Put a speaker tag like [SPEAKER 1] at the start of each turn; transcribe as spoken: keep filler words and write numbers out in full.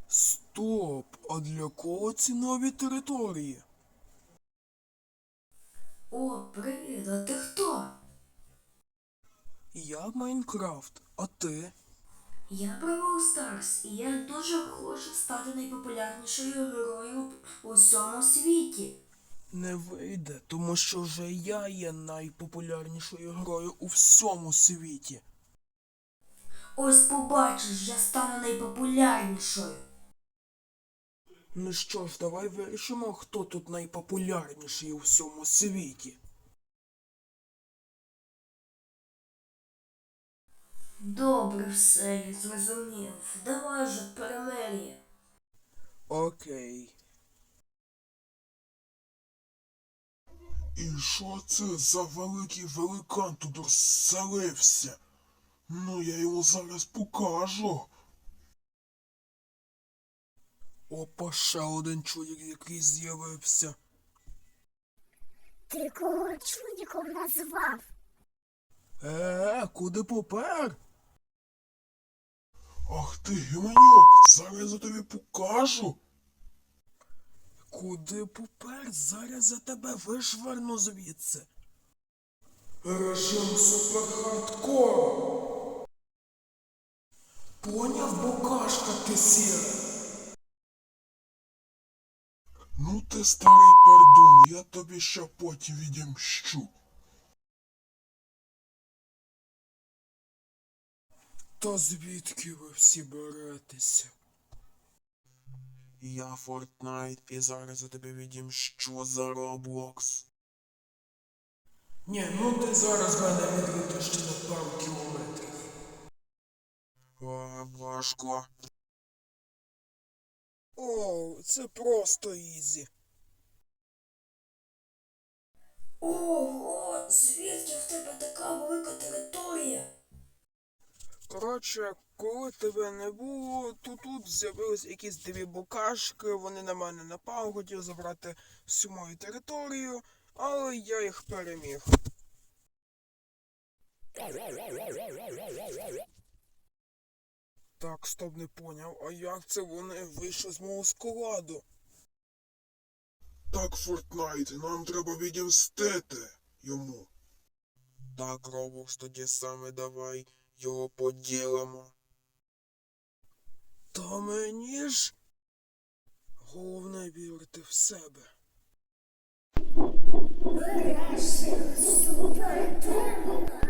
[SPEAKER 1] Стоп! А для кого ці нові території?
[SPEAKER 2] О, привіт, а ти хто?
[SPEAKER 1] Я Майнкрафт, а ти?
[SPEAKER 2] Я Бравл Старс, і я дуже хочу стати найпопулярнішою герою у всьому світі.
[SPEAKER 1] Не вийде, тому що вже я є найпопулярнішою грою у всьому світі.
[SPEAKER 2] Ось побачиш, я стану найпопулярнішою.
[SPEAKER 1] Ну що ж, давай вирішимо, хто тут найпопулярніший у всьому світі.
[SPEAKER 2] Добре, все, я зрозумів. Давай же перемир'я.
[SPEAKER 1] Окей. І що це за великий великан тут розселився? Ну, я йому зараз покажу. Опа, ще один чоловік, який з'явився.
[SPEAKER 3] Ти кого чудиком назвав?
[SPEAKER 1] Е, куди попер? Ах ти, гіманюк, зараз я тобі покажу. Куди попер? Зараз я тебе вишверну звідси. Режим суперхардкор. Поняв, букашка ти сіра? Ну ти старий пердун, я тобі ще потім відімщу. Та звідки ви всі беретеся? Я Фортнайт і зараз я тобі відімщу за Роблокс. Ні, ну ти зараз мене відвідиш ще на пару кілометрів. О, важко. О, це просто ізі.
[SPEAKER 2] Ого, звідки в тебе така велика територія?
[SPEAKER 1] Коротше, коли тебе не було, то тут з'явились якісь дві букашки, вони на мене напали, хотіли забрати всю мою територію, але я їх переміг. Так, стоп, не поняв, а як це вони вийшли з мого складу? Так, Фортнайт, нам треба відімстити йому. Так, Роблокс, тоді саме давай його поділимо. Та мені ж головне вірити в себе.
[SPEAKER 3] Врешті супер демона.